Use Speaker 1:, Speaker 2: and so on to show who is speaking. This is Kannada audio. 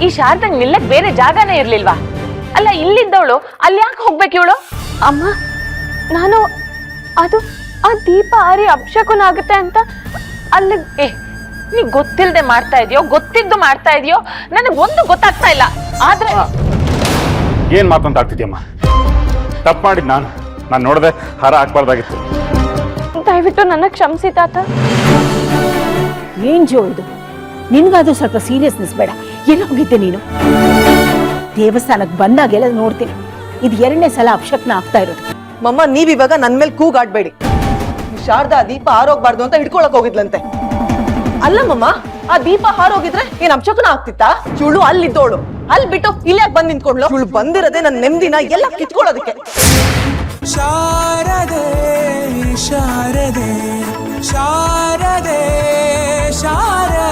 Speaker 1: ಈ ಶಾರದಂಗ್ ನಿಲ್ಲಕ್ ಬೇರೆ ಜಾಗನೇ ಇರ್ಲಿಲ್ವಾ? ಅಲ್ಲ ಇಲ್ಲಿದ್ದವಳು ಅಲ್ಲಿ ಯಾಕೆ ಹೋಗ್ಬೇಕು ಇವಳು?
Speaker 2: ಅಮ್ಮ, ನಾನು ಅದು ಆ ದೀಪ ಆರಿ ಅಪಶಕುನ ಆಗುತ್ತೆ ಅಂತ ಅಲ್ಲಿ.
Speaker 1: ನೀ ಗೊತ್ತಿಲ್ದೆ ಮಾಡ್ತಾ ಇದೆಯೋ ಗೊತ್ತಿದ್ದು ಮಾಡ್ತಾ ಇದೆಯೋ ನನಗೆ ಒಂದು ಗೊತ್ತಾಗ್ತಾ ಇಲ್ಲ. ಆದ್ರೆ
Speaker 3: ಏನ್ ಮಾತಂತ ಆಗ್ತಿದ್ಯಮ್ಮ? ತಪ್ಪು ಮಾಡಿದ್ ನಾನು ನೋಡದೆ ಹಾರ ಹಾಕ್ಬಾರ್ದಾಗಿತ್ತು.
Speaker 2: ದಯವಿಟ್ಟು ನನ್ನ ಕ್ಷಮಿಸಿ ತಾತ.
Speaker 4: ಏನ್ ಜೋ ಇದು? ನಿನ್ಗಾದ್ರೂ ಸ್ವಲ್ಪ ಸೀರಿಯಸ್ನೆಸ್ ಬೇಡ. ಎಲ್ಲೋಗಿದ್ದೆ ನೀನು? ದೇವಸ್ಥಾನಕ್ಕೆ ಬಂದಾಗೆಲ್ಲ ನೋಡ್ತೀನಿ, ಇದು 2ನೇ ಸಲ ಅಪಶಕ್ನ ಆಗ್ತಾ ಇರೋದು.
Speaker 5: ಮಮ್ಮ, ನೀವಿವಾಗ ನನ್ ಮೇಲೆ ಕೂಗಾಡ್ಬೇಡಿ. ಶಾರದಾ ದೀಪ ಹಾರೋಗ್ಬಾರ್ದು ಅಂತ ಹಿಡ್ಕೊಳಕ್ ಹೋಗಿದ್ಲಂತೆ. ಅಲ್ಲ ಮಮ್ಮ, ಆ ದೀಪ ಹಾರೋಗಿದ್ರೆ ಏನ್ ಅಪಶಕುನ ಆಗ್ತಿತ್ತಾ? ಚುಳು ಅಲ್ಲಿದ್ದೋಳು ಅಲ್ಲಿ ಬಿಟ್ಟು ಇಲ್ಲಿ ಯಾಕೆ ಬಂದ್ ನಿಂತ್ಕೊಂಡ್ಲು? ಚುಳು ಬಂದಿರದೆ ನನ್ನ ನೆಮ್ಮದಿನ ಎಲ್ಲ ಕಿತ್ಕೊಳ್ಳೋದಕ್ಕೆ.
Speaker 6: ಶಾರದೆ ಶಾರದೆ ಶಾರದೆ ಶಾರದೆ